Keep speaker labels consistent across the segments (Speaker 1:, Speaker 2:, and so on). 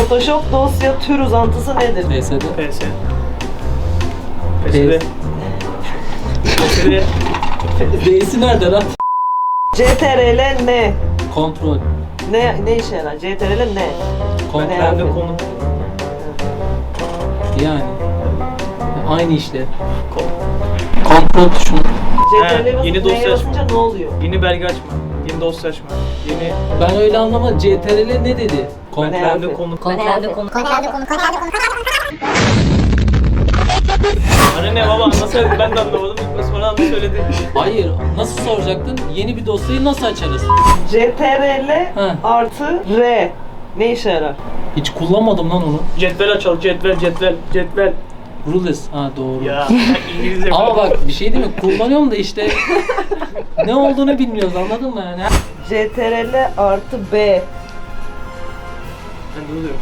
Speaker 1: Photoshop dosya tür uzantısı nedir?
Speaker 2: PSD.
Speaker 3: PS. PSD. PSD.
Speaker 2: D'si nerede lan?
Speaker 1: CTRL ne?
Speaker 2: Kontrol.
Speaker 1: Ne işe yarar? CTRL ne?
Speaker 2: Kontrol.
Speaker 3: Nerede konu?
Speaker 2: Yani. Aynı işte. Kontrol tuşunu.
Speaker 1: CTRL'e basıp
Speaker 3: yeni
Speaker 1: N'ye
Speaker 3: dosya
Speaker 1: basınca ne oluyor?
Speaker 3: Yeni belge açma. Yeni dosya açma. Yeni
Speaker 2: Ben öyle anlamadım. CTRL ne dedi? Kontrol.
Speaker 3: nerede konu?
Speaker 4: Nerede konu?
Speaker 3: Hani ne baba nasıl söyledi ben de anlamadım. Sonra anla söyledi.
Speaker 2: Hayır. Nasıl soracaktın? Yeni bir dosyayı nasıl açarız?
Speaker 1: CTRL
Speaker 2: He.
Speaker 1: artı R ne işe yarar?
Speaker 2: Hiç kullanmadım lan onu.
Speaker 3: Cetvel açalım. Cetvel.
Speaker 2: Rules. Ha doğru.
Speaker 3: Ya İngilizce.
Speaker 2: Ama bak bir şey değil mi? Kullanıyorum da işte ne olduğunu bilmiyoruz, anladın mı yani?
Speaker 1: CTRL artı B.
Speaker 3: Ben de oluyorum.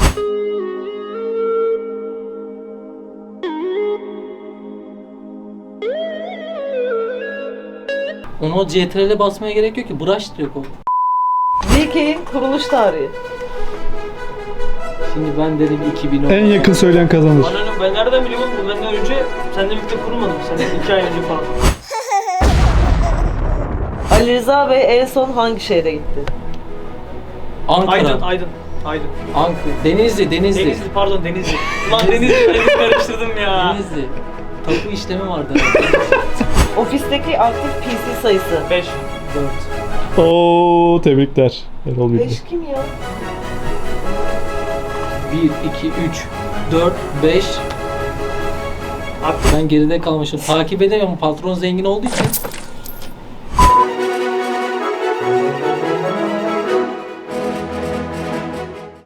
Speaker 2: Onu o CTRL'e basmaya gerek yok ki. Brush direkt o.
Speaker 1: Wikinin kuruluş tarihi.
Speaker 2: Şimdi ben dedim 2010.
Speaker 5: En yakın söyleyen kazanır.
Speaker 3: Ananı ben nereden biliyorum bu? Benden önce seninle birlikte kurulmadım. Senden 2 ay önce falan.
Speaker 1: Ali Rıza Bey en son hangi şehre gitti?
Speaker 2: Ankara.
Speaker 3: Aydın.
Speaker 2: Ankara. Denizli.
Speaker 3: Denizli pardon Denizli. Ulan Denizli karıştırdım ya.
Speaker 2: Denizli. Tapu işlemi vardı.
Speaker 1: Ofisteki aktif PC sayısı.
Speaker 3: 5.
Speaker 2: 4.
Speaker 5: Oo, tebrikler. Erol bildi.
Speaker 1: 5 kim ya?
Speaker 2: 1, 2, 3, 4, 5.
Speaker 3: Aktif.
Speaker 2: Ben geride kalmışım. Takip edemiyorum. Patron zengin olduğu için.